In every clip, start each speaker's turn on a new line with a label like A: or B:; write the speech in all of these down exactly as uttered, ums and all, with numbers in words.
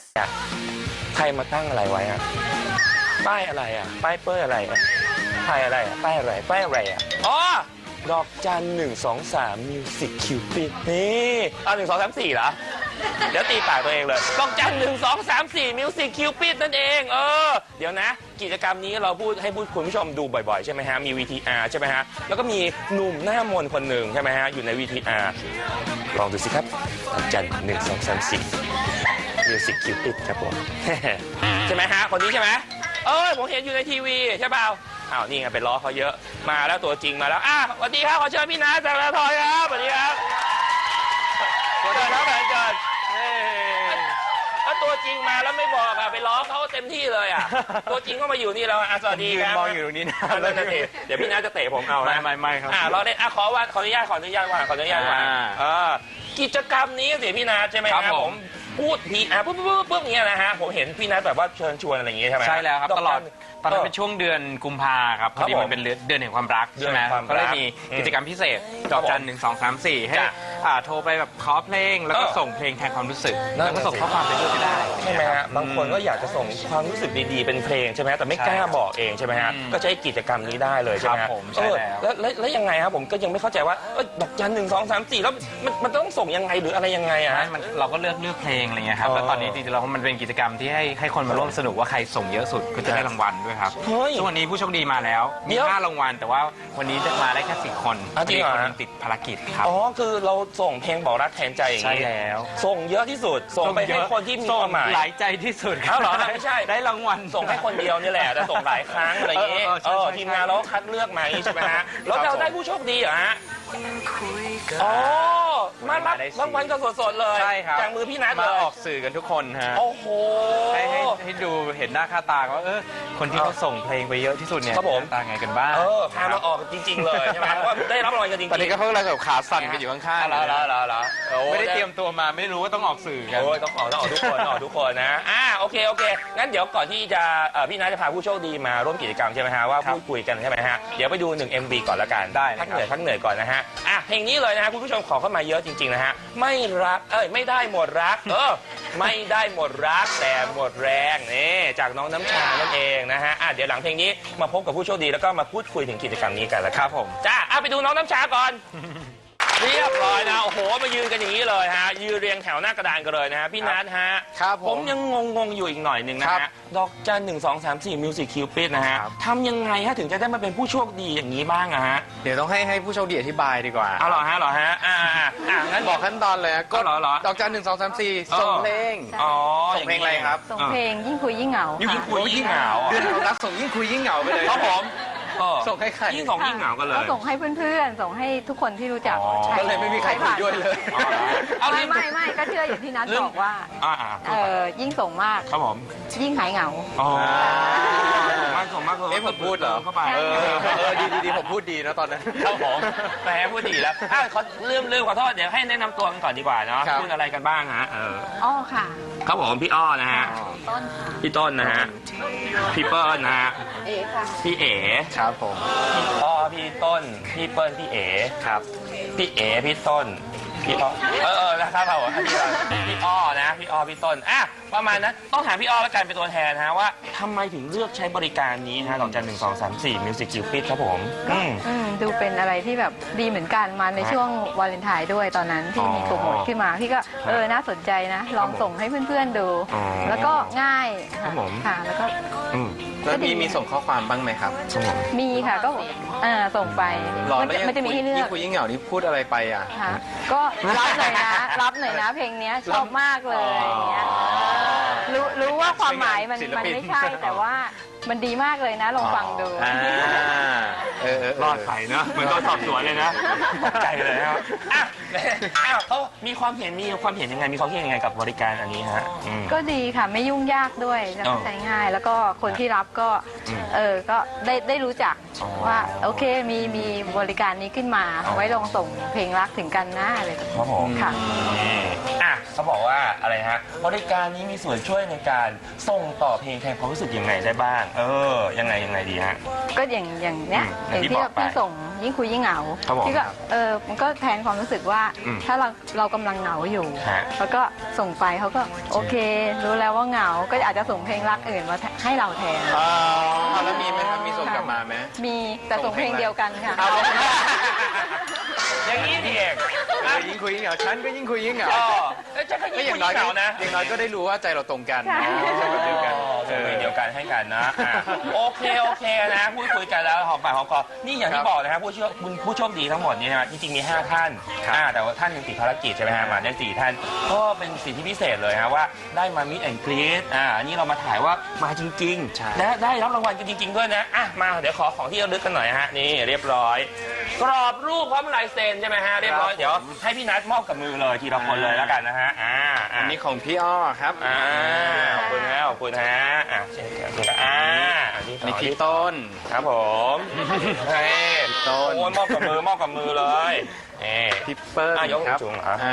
A: ใครมาตั้งอะไรไว้อะป้ายอะไรอะป้ายเป้ยอะไรอะป้ายอะไรอะป้ายอะไรป้ายอะไรอะอ๋อดอกจันหนึ่งสองสามมิวสิกคิวปิดนี่เอาหนึ่งสองสามสี่เหรอเดี๋ยวตีปากตัวเองเลยดอกจันหนึ่งสองสามสี่มิวสิกคิวปิดนั่นเองเออเดี๋ยวนะกิจกรรมนี้เราพูดให้คุณผู้ชมดูบ่อยๆใช่ไหมฮะมี วี ที อาร์ ใช่ไหมฮะแล้วก็มีหนุ่มหน้ามนต์คนหนึ่งใช่ไหมฮะอยู่ใน วี ที อาร์ ลองดูสิครับดอกจันหนึ่งสองสามสี่มิวสิกคิวปิดครับผม ใช่ไหมฮะคนนี้ใช่ไหมเออผมเห็นอยู่ในทีวีใช่เปล่าอ้าวนี่ไงไปล้อเขาเยอะมาแล้วตัวจริงมาแล้วอ่ะสวัสดีครับขอเชิญพี่นัทจากละทอยครับสวัสดีครับสวัสดีครับอาจารย์ถ้าตัวจริงมาแล้วไม่บอกอะไปล้อเขาเต็มที่เลยอะตัวจริงก็มาอยู่นี่แล้วอ่ะสวัสดีครับ
B: มองอยู่ตรงนี้นะ
A: แล้วจะเตะเดี๋ยวพี่นัทจะเตะผมเอานะ
B: ไม่ไม่ไม่ครับ
A: อ่ะเราเล่นอ่ะขอว่าขออนุญาตขออนุญาตว่าขออนุญาตว่าอ่ากิจกรรมนี้สิพี่นัทใช่ไหมครับผมพูดทีอ่ะปุ๊บปุ๊บปุ๊บเนี้ยนะฮะผมเห็นพี่นัทแบบว่าเชิญชวนอะไรอย่างงี้ใช่ไหม
B: ใช่แล้วครับตลอดตอนนั้นเป็นช่วงเดือนกุมภาครับพอดีมันเป็นเดือนแห่งความรักใช่ไหมก็เลยมีกิจกรรมพิเศษดอกจันหนึ่งสองสามสี่ให้โทรไปแบบขอเพลงแล้วก็ส่งเพลงแทนความรู้สึกแล้วก็ส่งข้อความไปด้วยก็ได้
A: ใช่ไหมฮะบางคนก็อยากจะส่งความรู้สึกดีๆเป็นเพลงใช่ไหมแต่ไม่กล้าบอกเองใช่ไหมฮะก็ใช้กิจกรรมนี้ได้เลยใช่ไหม
B: ผมใช่
A: แล้วแล้วยังไงครับผมก็ยังไม่เข้าใจว่าดอกจันหนึ่งสองสามสี่แล้วมันมันต้องส่งยังไงหรืออะไรยังไงอ่ะ
B: เราก็เลือกเลือกเพลงอะไรเงี้ยครับแล้วตอนนี้จริงๆเรามันเป็นกิจกรรมที่ให้ให้คนมาร่วมสนุกว่าใครส่งเยอะสุดก็จะได้รางวัลด้วยครับซึ่งวันนี้ผู้โชคดีมาแล้วมีห้ารางวัลแต่ว่าวันนี้มาได้แค่สี่คนมีคนนึงติดภารกิจครับ
A: อ๋อคือเราส่งเพลงบอกรักแทนใจอย่างนี้
B: ใช่แล้ว
A: ส่งเยอะที่สุดส่งไปให้คนที่มีความหมาย
B: หลายใจที่สุด
A: ครับเหรอไม่ใช่
B: ได้รางวัล
A: ส่งให้คนเดียวนี่แหละแต่ส่งหลายครั้งอะไรอย่างนี้เออทีมงานเราคัดเลือกมาใช่ไหมฮะแล้วเราได้ผู้โชคดีเหรอฮะอ๋อมารับรางวัลกันสดๆเลย
B: ใช่ครับ
A: จากมือพี่นัทเลย
B: มาออกสื่อกันทุกคนฮะ
A: โอ้โห
B: ให้ให้ให้ดูเห็นหน้าค่าตาว่าเออคนที่เขาส่งเพลงไปเยอะที่สุดเนี่ยตาไงกันบ้าง
A: เออพามาออกจริงๆเลยใช่ไหมว่าได้รับรางวัลกันจริงๆ
B: ตอนนี้ก็เพิ่งเราแบบขาสั่นกันอยู่ข้างๆ
A: แล้วแล้วแล้วแล้ว
B: ไม่ได้เตรียมตัวมาไม่รู้ว่าต้องออกสื่อกัน
A: โอ้ยต้องออกต้องออกทุกคนออกทุกคนนะอ่าโอเคโอเคงั้นเดี๋ยวก่อนที่จะพี่นัทจะพาผู้โชคดีมาร่วมกิจกรรมใช่ไหมฮะว่าพูดคุยกันใช่ไหมฮะเดี๋ยวไปดูหนึ่ง เอ็ม วี ก่อนละกัน
B: ได้
A: พักเหนื่อยพักเหนื่อยก่อนนะฮะอ่ะเพลงนี้เลยนะฮะคุณผู้ชมขอเข้ามาเยอะจริงๆนะฮะไม่รักเอ้ยไม่ได้หมดรักเออไม่ได้หมดรักแต่หมดแรงนี่จากน้องน้ำชานั่นเองนะฮะอ่ะเดี๋ยวหลังเพลงนี้มาพบกับผู้โชคดีแล้วก็มาพูดคุยถึงกิจกรรมนี้กันแล้วครับผมจ้าอ่ะไปดูน้องน้ำชาก่อนเรียบร้อยนะโอ้โหมายืนกันอย่างนี้เลยฮะยืนเรียงแถวหน้ากระดานกันเลยนะฮะพี่นัทฮะ
B: ครับผม
A: ยังงงๆอยู่อีกหน่อยหนึ่งนะฮะดอกจันหนึ่งสองสามสี่มิวสิกคิวปิดนะฮะทำยังไงฮะถึงจะได้มาเป็นผู้โชคดีอย่างนี้บ้างอะฮะ
B: เดี๋ยวต้องให้ให้ผู้โชคดีอธิบายดีกว่า
A: อ๋อเหรอฮะเหรอฮะอ่าอ่างั้น
B: บอกขั้นตอนเลยก็ดอกจันหนึ่งสองสามสี่ส่งเพลง
A: อ๋อ
B: ส่งเพลงอะไรครับ
C: ส่งเพลงยิ่งคุยยิ่งเหงา
A: ยิ่งคุยยิ่งเหงา
B: เดือนของรักส่งยิ่งคุยยิ่งเหงาไปเลย
A: ครับผม
B: ส่งให้ใคร
A: ยิ่งส่งยิ่งเหงากันเลย
C: ก็ส่งให้เพื่อนๆส่งให้ทุกคนที่รู้จัก
B: ก็เลยไม่มีใครคุยด้วยเลย
C: ไม่ไม่ไม่ก็เชื่ออย่างที่นัทบอกว่าเออยิ่งส่งมาก
A: ครับผม
C: ยิ่งหายเหงา
A: อ๋อส่งมากส่งมากเลย
B: เอ๊ะผมพูดเหรอ
A: เข้าไป
B: เออเออดีดีดีผมพูดดีนะตอนนั้น
A: ครับผมแหมพูดดีแล้วอ่ะขอเริ่มเริ่มขอโทษเดี๋ยวให้แนะนำตัวกันก่อนดีกว่าเนาะพูดอะไรกันบ้างฮะเออ
C: อ้อค่ะ
A: ครับผมพี่อ้อนะฮะ
C: ต้นค่ะ
A: พี่ต้นนะฮะพี่เปิ้ลนะฮะ
C: เอ๋ค่ะ
A: พี่เอ๋
B: ครับผม
A: พี่อ้อพี่ต้นพี่เปิ้ลพี่เอ๋
B: ครับ
A: พี่เอ๋พี่ต้นพี่อ้อเออเออนะครับเราพี่พี่อ้อนะพี่อ้อพี่ต้นอ่ะประมาณนั้นต้องถามพี่อ้อแล้วกันเป็นตัวแทนนะว่าทำไมถึงเลือกใช้บริการนี้ฮะดอกจันหนึ่งสองสามสี่มิวสิกคิวปิดครับผม
C: อืมดูเป็นอะไรที่แบบดีเหมือนกันมาในช่วงวาเลนไทน์ด้วยตอนนั้นที่มีโปรโมทขึ้นมาพี่ก็เออน่าสนใจนะลองส่งให้เพื่อนๆดูแล้วก็ง่ายค่ะแล้วก็
B: แล้วมีมีส่งข้อความบ้างไหมครับ
C: มีค่ะก็อ่าส่งไปมันจะมีให้เลือก
B: คุยยิ่งเหงานี่พูดอะไรไปอ่ะ
C: ก็รับหน่อยนะรับหน่อยนะเพลงนี้ชอบมากเลยอย่างเงี้ยรู้รู้ว่าความหมายมันมันไม่ใช่แต่ว่ามันดีมากเลยนะลองฟังดู
A: รอดไปเนาะเหมือนตอนสอบสวนเลยนะใจเลยครับอ้าวเขามีความเห็นมีความเห็นยังไงมีความเห็นยังไงกับบริการอันนี้ฮะ
C: ก็ดีค่ะไม่ยุ่งยากด้วยแล้วก็ใช้ง่ายแล้วก็คนที่รับก็เออก็ได้ได้รู้จักว่าโอเคมีมีบริการนี้ขึ้นมาเอาไว้ลองส่งเพลงรักถึงกันหน้าเลย
A: ครับผม
C: ค่ะ
A: อ่ะเขาบอกว่าอะไรฮะบริการนี้มีส่วนช่วยในการส่งต่อเพลงแทนความรู้สึกยังไงได้บ้างเออยังไงยังไงดีฮะ
C: ก็อย่างอย่างเนี้ยอย่างที่เราพี่ส่งยิ่งคุยยิ่งเหงา
A: ครับผม
C: ที่ก็เออมันก็แทนความรู้สึกว่า
A: อืม
C: ถ้าเราเรากำลังเหงาอยู่
A: ฮะ
C: แล้วก็ส่งไปเขาก็โอเค รู้แล้วว่าเหงาก็อาจจะส่งเพลงรักอื่นมาให้เราแทน
B: อ๋อแล้วมีไหมครับมีส่งกลับมาไหม
C: มีแต่ส่งเพลงเดียวกันค่ะ
B: เอาเลย
A: อย่างนี้นี่เอง
B: เออยิ่งคุยยิ่งเหงาฉันก็ยิ่งคุยยิ่งเหงา
A: อ๋อเอ้ยจะก็
B: ก็
A: ยิ่ง
B: อ
A: คุ
B: ย่าย งน้อย
A: ยิ่งเห
B: ก็
A: งานะ
B: อย่างน้อยก็ได้รู้ว่าใจเราตรงกัน
C: ใช่
B: ใจแบบเดียวกัน
A: ส่งเพลงเดียวกันให้กันนะอ่ะโอเคโอเคนะพูดคุยกันแล้วหอมปากหอมคอนี่อย่างที่บอกนะครับผู้โชคผู้โชคดีทั้งหมดนี่นะจริงๆมีห้าท่านอ่าแต่ว่าท่านหนึงติดภารกิจใช่ไหมฮะมาได้สี่ท่านก็เป็นสิทธิพิเศษเลยฮะว่าได้มามิดแอนด์กรีดอ่าอันนี้เรามาถ่ายว่ามาจริงๆและได้รับรางวัลกันจริง ๆด้วยนะอ่ะมาเดี๋ยวขอของที่ระลึกกันหน่อยฮะนี่เรียบร้อยกรอบรูปพร้อมลายเซ็นใช่ไหมฮะเรียบร้อยเดี๋ยวให้พี่นัทมอบกับมือเลยทีละคนเลยแล้วกันนะฮะอ่า
B: อั
A: อ่า
B: นนี้ของพี่อ้อครับ
A: อ่าขอบคุณฮะขอบคุณฮะอ่ะเช่นกันคุณอ่าอันนี้
B: อันนี้พี่ต้น
A: ครับผมเฮ้ย
B: ต้น
A: โอ้ยมอบกับมือมอบกับมือเลยเอ่
B: พี่เปิ้ล
A: อ่ะยก
B: ครับ
A: สูงๆเหรอ
B: อ่าย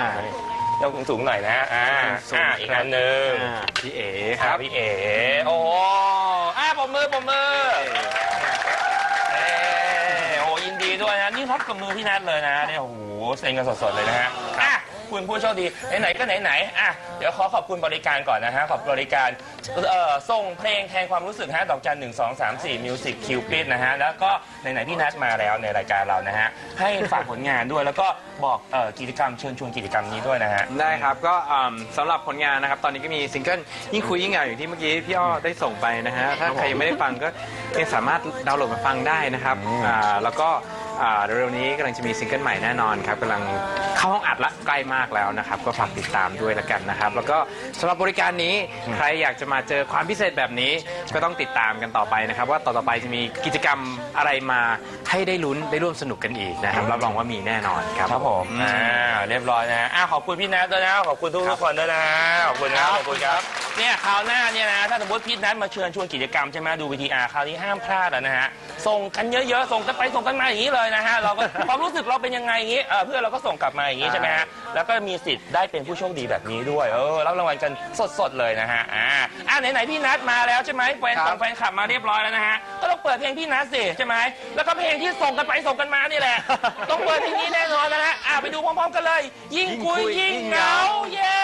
A: กสูงๆหน่อยนะอ่า
B: สูง
A: อ่า
B: ๆ
A: อีกอันหนึ่ง
B: อ่าพี่เอ๋ค
A: ค
B: รั
A: รั
B: บบ
A: พี่เอ๋โอ้โหอ่าปมมือปมมือเอ้โอ้ยินดีด้วยนะนี่รับกับมือพี่นัทเลยนะเนี่ยโอ้โหเซ็นกันสดๆเลยนะฮะอ่ะคุณผู้โชคดีไหนๆก็ไหนๆอ่ะเดี๋ยวขอขอบคุณบริการก่อนนะฮะขอบบริการเอ่อส่งเพลงแทนความรู้สึกฮะดอกจันหนึ่งสองสามสี่มิวสิกคิวปิดนะฮะแล้วก็ไหนๆพี่นัทมาแล้วในรายการเรานะฮะให้ฝากผลงานด้วยแล้วก็บอกเอ่อกิจกรรมเชิญชวนกิจกรรมนี้ด้วยนะฮะ
B: ได้ครับก็อืมสำหรับผลงานนะครับ ตอนนี้ก็มีซิงเกิลยิ่งคุยยิ่งเหงาอย่างที่เมื่อกี้พี่อ้อได้ส่งไปนะฮะถ้าใครยังไม่ได้ฟังก็ยังสามารถดาวน์โหลดมาฟังได้นะครับอ่าแล้วก็อ่าเร็วๆนี้กำลังจะมีซิงเกิลใหม่แน่นอนครับกำลังเข้าห้องอัดละใกล้มากแล้วนะครับก็ฝากติดตามด้วยละกันนะครับ แล้วก็สำหรับบริการนี้ใครอยากจะมาเจอความพิเศษแบบนี้ก็ต้องติดตามกันต่อไปนะครับว่าต่อๆไปจะมีกิจกรรมอะไรมาให้ได้ลุ้นได้ร่วมสนุกกันอีกนะครับรับรองว่ามีแน่นอนครับ
A: ครับผม
B: อืม
A: อ่า เรียบร้อยนะ อ่า ขอบคุณพี่นัทด้วยนะ ขอบคุณทุกทุกคนด้วยนะ ขอบคุณครับ ขอบคุณครับ เนี่ยคราวหน้าเนี่ยนะ ถ้าสมมติพี่นัทมาเชิญชวนกิจกรรมใช่ไหมดู วี ที อาร์ คราวนี้ห้ามพลาดแล้วนะฮะ ส่งกันเยอะๆ ส่งกันไปส่งกันมาอย่างนี้เลยนะฮะ เราก็ ความรู้สึกเราเป็นยังไงอย่างนี้เออเพื่อนเราก็ส่งกลับมาอย่างนี้ใช่ไหมฮะ แล้วก็มีสิทธิ์ได้เป็นผู้โชคดีแบบนี้ด้วย เออ รับรางวัลกันสดๆเลยนะฮะ อ่า อ่าไหนๆพี่นัทมาแล้วใช่ไหมแฟน
B: ครับ
A: ส่งแฟนคลับมาเรียบร้อยแล้วนะฮะ ก็ต้องเปิดเพลงพี่นัทสิใช่ไหมแล้วก็เพลงที่ส่งกันไปส่งกันมานี่แหละ ต้องเปิดเพลงนี้แน่นอนนะฮะ อ่าไปดูพร้อมๆกันเลย ยิ่งคุยยิ่งเหงา เย้